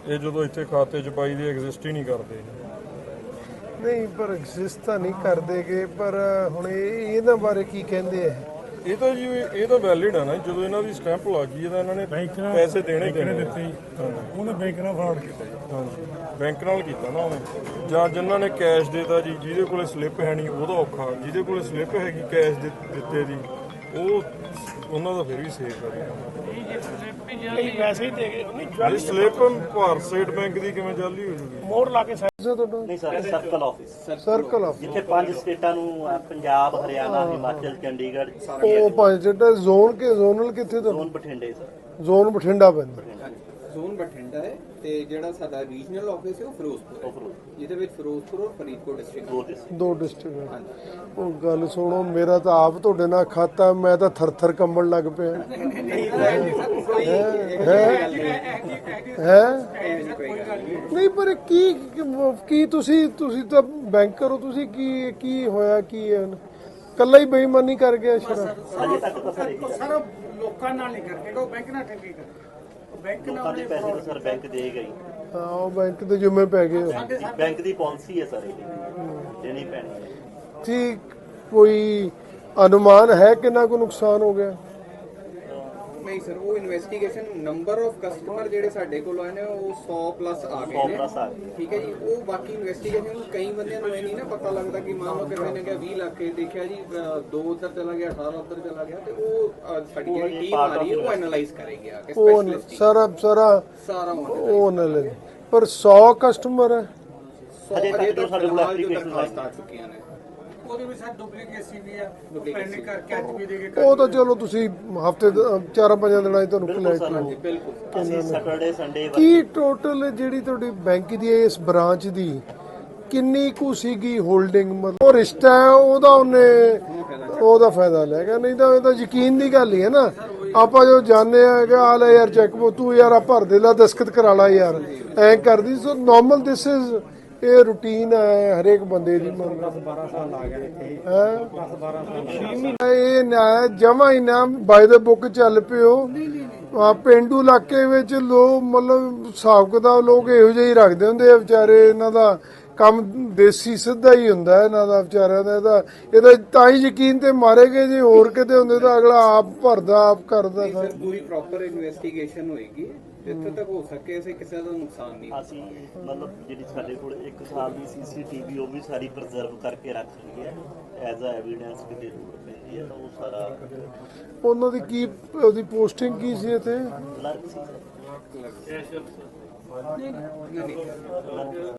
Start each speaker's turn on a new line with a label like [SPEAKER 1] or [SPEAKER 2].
[SPEAKER 1] ਇਹ ਜਦੋਂ ਇੱਥੇ ਖਾਤੇ 'ਚ ਪਾਈ ਦੀ ਐਗਜ਼ਿਸਟ ਹੀ ਨਹੀਂ ਕਰਦੇ।
[SPEAKER 2] ਨਹੀਂ ਪਰ ਐਗਜ਼ਿਸਟ ਤਾਂ ਨਹੀਂ ਕਰਦੇਗੇ, ਪਰ ਹੁਣ ਇਹਨਾਂ ਬਾਰੇ ਕੀ ਕਹਿੰਦੇ ਆ?
[SPEAKER 1] ਇਹ ਤਾਂ ਜੀ ਇਹ ਤਾਂ ਵੈਲਿਡ ਆ ਨਾ, ਜਦੋਂ ਇਹਨਾਂ ਦੀ ਸਟੈਂਪ ਲੱਗ ਗਈ ਤਾਂ ਇਹਨਾਂ ਨੇ ਪੈਸੇ ਦੇਣੇ ਦਿੱਤੇ।
[SPEAKER 3] ਉਹਨੇ ਬੈਂਕ ਨਾਲ ਫਰਾਡ ਕੀਤਾ ਜੀ।
[SPEAKER 1] ਹਾਂਜੀ, ਬੈਂਕ ਨਾਲ ਕੀਤਾ ਨਾ ਉਹਨੇ, ਜਾਂ ਜਿਨ੍ਹਾਂ ਨੇ ਕੈਸ਼ ਦੇਤਾ ਜੀ, ਜਿਹਦੇ ਕੋਲੇ ਸਲਿੱਪ ਹੈ ਨਹੀਂ ਉਹਦਾ ਔਖਾ, ਜਿਹਦੇ ਕੋਲੇ ਸਲਿੱਪ ਹੈਗੀ ਕੈਸ਼ ਦਿੱਤੇ ਦੀ ਉਹਨਾਂ ਦਾ ਫਿਰ ਵੀ ਸੇਫ ਹੈ।
[SPEAKER 3] ਵੈਸੇ ਹੀ ਦੇ ਗਏ
[SPEAKER 1] ਇਹ ਸਲਿੱਪ ਭਾਰਤ ਸਟੇਟ ਬੈਂਕ ਦੀ ਕਿਵੇਂ ਜਾਲੀ ਹੋ ਜੂਗੀ?
[SPEAKER 3] ਮੋੜ ਲਾ ਕੇ
[SPEAKER 4] ਨਹੀਂ sir, circle office
[SPEAKER 2] circle office
[SPEAKER 4] ਜਿੱਥੇ 5 ਸਟੇਟਾਂ ਨੂੰ ਪੰਜਾਬ, ਹਰਿਆਣਾ, ਹਿਮਾਚਲ, ਚੰਡੀਗੜ੍ਹ
[SPEAKER 2] ਉਹ ਪੰਜ ਜਿਹੜਾ ਜ਼ੋਨ ਕੇ ਜ਼ੋਨਲ ਕਿੱਥੇ ਤੋਂ?
[SPEAKER 4] ਜ਼ੋਨ ਬਠਿੰਡੇ ਸਰ।
[SPEAKER 2] ਜ਼ੋਨ ਬਠਿੰਡਾ ਪੈਂਦਾ।
[SPEAKER 5] ਜ਼ੋਨ ਬਠਿੰਡਾ ਹੈ ਤੇ ਜਿਹੜਾ ਸਾਡਾ ਰੀਜਨਲ ਆਫਿਸ ਹੈ ਉਹ ਫਿਰੋਜ਼ਪੁਰ ਹੈ, ਜਿਹਦੇ ਵਿੱਚ ਫਿਰੋਜ਼ਪੁਰ ਔਰ ਫਰੀਦਕੋਟ ਡਿਸਟ੍ਰਿਕਟ
[SPEAKER 2] ਦੋ ਡਿਸਟ੍ਰਿਕਟ। ਉਹ ਗੱਲ ਸੁਣੋ, ਮੇਰਾ ਤਾਂ ਆਪ ਤੁਹਾਡੇ ਨਾਲ ਖਾਤਾ, ਮੈਂ ਤਾਂ ਥਰ ਕੰਬਣ ਲੱਗ ਪਿਆ। ਨਹੀਂ ਪਰ ਕੀ ਤੁਸੀਂ ਤਾਂ ਬੈਂਕ ਕਰੋ, ਤੁਸੀਂ ਕੀ ਹੋਇਆ, ਕੀ ਹੈ ਕੱਲਾ ਹੀ ਬੇਈਮਾਨੀ ਕਰ ਗਿਆ ਸ਼ਰਾ?
[SPEAKER 3] ਸਰ ਲੋਕਾਂ ਨਾਲ ਨਹੀਂ ਕਰਕੇ ਉਹ ਬੈਂਕ ਨਾਲ ਠੱਗੀ ਕਰ, ਬੈਂਕ ਨਾਲ
[SPEAKER 4] ਦੇ ਪੈਸੇ ਤਾਂ ਸਰ ਬੈਂਕ ਦੇਗਾ ਹੀ।
[SPEAKER 2] ਹਾਂ, ਉਹ ਬੈਂਕ ਦੇ ਜ਼ਿੰਮੇ ਪੈ ਗਏ।
[SPEAKER 4] ਬੈਂਕ ਦੀ ਪਾਲਿਸੀ ਹੈ ਸਰ, ਇਹ ਦੇਣੀ ਪੈਣੀ ਹੈ।
[SPEAKER 2] ਠੀਕ, ਕੋਈ ਅਨੁਮਾਨ ਹੈ ਕਿੰਨਾ ਕੁ ਨੁਕਸਾਨ ਹੋ ਗਿਆ?
[SPEAKER 5] ਨਹੀਂ ਸਰ, ਉਹ ਇਨਵੈਸਟੀਗੇਸ਼ਨ ਨੰਬਰ ਆਫ ਕਸਟਮਰ ਜਿਹੜੇ ਸਾਡੇ ਕੋਲ ਆਏ ਨੇ ਉਹ 100 ਪਲੱਸ ਆ ਗਏ ਨੇ। ਠੀਕ ਹੈ ਜੀ, ਉਹ ਬਾਕੀ ਇਨਵੈਸਟੀਗੇਸ਼ਨ ਕਈ ਬੰਦਿਆਂ ਨੂੰ ਇਹ ਨਹੀਂ ਨਾ ਪਤਾ ਲੱਗਦਾ ਕਿ ਮੰਨ ਲਓ ਕਿਸੇ ਨੇ ਕਿਹਾ 20 ਲੱਖ ਦੇਖਿਆ ਜੀ, 2 ਉੱਧਰ ਚਲਾ ਗਿਆ, 18 ਉੱਧਰ ਚਲਾ ਗਿਆ, ਤੇ ਉਹ ਸਾਡੀ ਜਿਹੜੀ ਟੀਮ ਆ ਰਹੀ ਹੈ ਉਹ ਐਨਾਲਾਈਜ਼ ਕਰੇਗੀ ਆ ਕੇ ਸਪੈਸ਼ਲਿਸਟ ਸਾਰਾ
[SPEAKER 2] ਉਹ ਨਾ ਲੈ। ਪਰ 100 ਕਸਟਮਰ ਹੈ,
[SPEAKER 4] ਅਜੇ ਤੱਕ ਸਾਡੇ ਕੋਲ ਐਪਲੀਕੇਸ਼ਨ
[SPEAKER 5] ਆ ਚੁੱਕੀਆਂ ਨੇ।
[SPEAKER 3] ਉਹਦੇ ਵਿੱਚ ਸਰ ਡੁਪਲੀਕੇਟ ਸੀ ਵੀ ਆ, ਪੈਂਡਿੰਗ ਕਰਕੇ ਅੱਜ ਵੀ ਦੇ ਕੇ
[SPEAKER 2] ਉਹ ਤਾਂ ਚਲੋ ਤੁਸੀਂ ਹਫਤੇ 4-5 ਦਿਨਾਂ 'ਚ ਤੁਹਾਨੂੰ ਕਲੈਕਟ।
[SPEAKER 5] ਬਿਲਕੁਲ
[SPEAKER 4] ਅਸੀਂ ਸੈਟਰਡੇ ਸੰਡੇ
[SPEAKER 2] ਕੀ ਟੋਟਲ ਜਿਹੜੀ ਤੁਹਾਡੀ ਬੈਂਕ ਦੀ ਇਸ ਬ੍ਰਾਂਚ ਦੀ ਕਿੰਨੀ ਕੁ ਸੀਗੀ ਹੋਲਡਿੰਗ? ਮਤਲਬ ਉਹ ਰਿਸ਼ਤਾ ਹੈ ਉਹਦਾ ਫਾਇਦਾ ਲੈ ਗਿਆ, ਨਹੀਂ ਤਾਂ ਇਹ ਤਾਂ ਯਕੀਨ ਦੀ ਗੱਲ ਹੀ ਹੈ ਨਾ। ਆਪਾਂ ਜੋ ਜਾਣਦੇ ਆ ਕਿ ਆ ਲੈ ਯਾਰ ਚੈੱਕ ਤੂੰ ਯਾਰ ਆ ਭਰ ਦੇ ਲਾ, ਦਸਖਤ ਕਰਾ ਲਾ ਯਾਰ, ਐ ਕਰਦੀ। ਸੋ ਨਾਰਮਲ ਦਿਸ ਇਜ਼ ਇਹ ਰੂਟੀਨ ਹੈ ਹਰੇਕ ਬੰਦੇ ਦੀ।
[SPEAKER 3] 12 ਸਾਲ ਆ ਗਏ ਇੱਥੇ, 10-12 ਸਾਲ
[SPEAKER 2] ਇਹ ਨਾ ਜਮਾ ਹੀ ਨਾ ਬਾਈ ਦਾ ਬੁੱਕ ਚੱਲ ਪਿਓ। ਪਿੰਡੂ ਇਲਾਕੇ ਵਿੱਚ ਲੋਕ ਮਤਲਬ ਹਿਸਾਬ ਕਿਤਾਬ ਲੋਕ ਇਹੋ ਜਿਹੇ ਹੀ ਰੱਖਦੇ ਹੁੰਦੇ ਆ ਵਿਚਾਰੇ। ਇਹਨਾਂ ਦਾ ਕੰਮ ਦੇਸੀ ਸਿੱਧਾ ਹੀ ਹੁੰਦਾ ਇਹਨਾਂ ਦਾ ਵਿਚਾਰਿਆਂ ਦਾ। ਇਹਦਾ ਤਾਂ ਹੀ ਯਕੀਨ ਤੇ ਮਾਰੇ ਗਏ, ਜੇ ਹੋਰ ਕਿਤੇ ਹੁੰਦੇ ਤਾਂ ਅਗਲਾ ਆਪ ਭਰਦਾ ਆਪ ਕਰਦਾ।
[SPEAKER 5] ਸਰ ਪੂਰੀ ਪ੍ਰੋਪਰ ਇਨਵੈਸਟੀਗੇਸ਼ਨ ਹੋਏਗੀ, ਜਿੱਥੇ ਤੱਕ ਹੋ ਸਕੇ ਅਸੀਂ ਕਿਸੇ ਦਾ ਨੁਕਸਾਨ ਨਹੀਂ।
[SPEAKER 4] ਅਸੀਂ ਮਤਲਬ ਜਿਹੜੀ ਸਾਡੇ ਕੋਲ 1 ਸਾਲ ਦੀ CCTV ਉਹ ਵੀ ਸਾਰੀ ਪ੍ਰੀਜ਼ਰਵ ਕਰਕੇ ਰੱਖ ਲਈ ਹੈ ਐਜ਼ ਅ ਐਵੀਡੈਂਸ ਕਿਤੇ ਜ਼ਰੂਰਤ ਪੈਂਦੀ ਹੈ ਤਾਂ ਉਹ ਸਾਰਾ।
[SPEAKER 2] ਉਹਨਾਂ ਦੀ ਕੀ ਉਹਦੀ ਪੋਸਟਿੰਗ ਕੀ ਸੀ ਇੱਥੇ?
[SPEAKER 4] ਕਲਰਕ ਸੀ ਸਰ।